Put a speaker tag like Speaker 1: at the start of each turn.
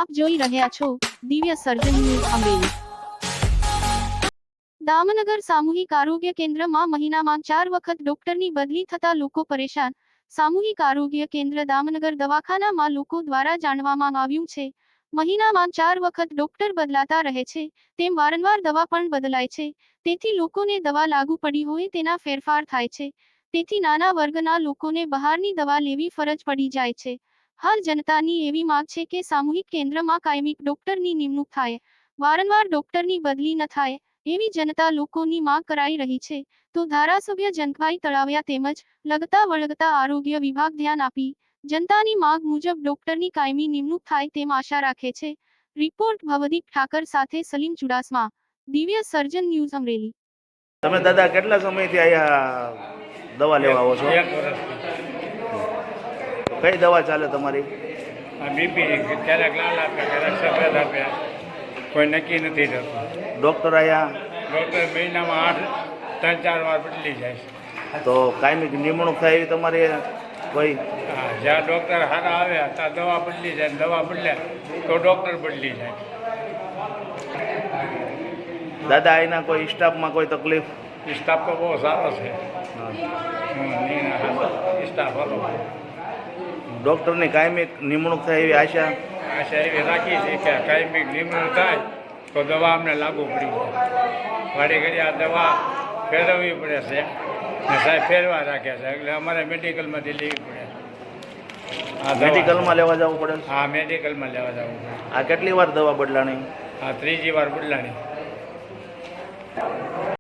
Speaker 1: આપ જોઈ રહ્યા છો દિવ્ય સર્જન ન્યૂઝ અમરેલી। દામનગર સામૂહિક આરોગ્ય કેન્દ્રમાં મહિનામાં 4 વખત ડોક્ટરની બદલી થતા લોકો પરેશાન। સામૂહિક આરોગ્ય કેન્દ્ર દામનગર દવાખાનામાં લોકો દ્વારા જાણવામાં આવ્યું છે, મહિનામાં 4 વખત ડોક્ટર બદલાતા રહે છે, તેમ વારંવાર દવા પણ બદલાય છે, તેથી લોકોને દવા લાગુ પડી હોય તેના ફેરફાર થાય છે, તેથી નાના વર્ગના લોકોને બહારની દવા લેવી ફરજ પડી જાય છે। હાલ જનતાની એવી માંગ છે કે સામૂહિક કેન્દ્રમાં કાયમી ડોક્ટરની નિમણૂક થાય, વારંવાર ડોક્ટરની બદલી ન થાય, એવી જનતા લોકોની માંગ કરાઈ રહી છે, તો ધારાસભ્ય જંગભાઈ તળાવિયા તેમજ લગતા વળગતા આરોગ્ય વિભાગ ધ્યાન આપી જનતાની માંગ મુજબ ડોક્ટરની કાયમી નિમણૂક થાય તેમ આશા રાખે છે। રિપોર્ટ ભવદીપ ઠાકર સાથે સલીમ ચુડાસમા, દિવ્ય સર્જન ન્યૂઝ અમરેલી।
Speaker 2: તમે દાદા કેટલા સમયથી અહીંયા દવા લેવા આવો છો?
Speaker 3: 1 વર્ષથી।
Speaker 2: કઈ દવા ચાલે તમારી?
Speaker 3: બીપી ક્યારેક લાલ આપે, ક્યારેક સફેદ આપે, કોઈ નક્કી નથી થતું।
Speaker 2: ડૉક્ટર અહીંયા
Speaker 3: ડૉક્ટર મહિનામાં 3-4 વાર બદલી જાય છે।
Speaker 2: તો કાયમી નિમણૂક થાય એવી તમારી કોઈ?
Speaker 3: હા, જ્યાં ડૉક્ટર સારા આવે ત્યાં દવા બદલી જાય, દવા બદલે તો ડૉક્ટર બદલી જાય।
Speaker 2: દાદા અહીંના કોઈ સ્ટાફમાં કોઈ તકલીફ?
Speaker 3: સ્ટાફ તો બહુ સારો છે, સ્ટાફ સારો।
Speaker 2: ડૉક્ટરની કાયમી નિમણૂક થાય એવી આશા
Speaker 3: એવી રાખી છે કે કાયમી નિમણૂક થાય તો દવા અમને લાગુ પડી જાય। ઘડી ઘડી આ દવા ફેરવવી પડે છે ને સાહેબ ફેરવા રાખે છે, એટલે અમારે મેડિકલમાંથી લેવી પડે।
Speaker 2: મેડિકલમાં લેવા જવું પડે?
Speaker 3: હા, મેડિકલમાં લેવા જવું પડે।
Speaker 2: આ કેટલી વાર દવા બદલાણી?
Speaker 3: હા, 3જી વાર બદલાણી।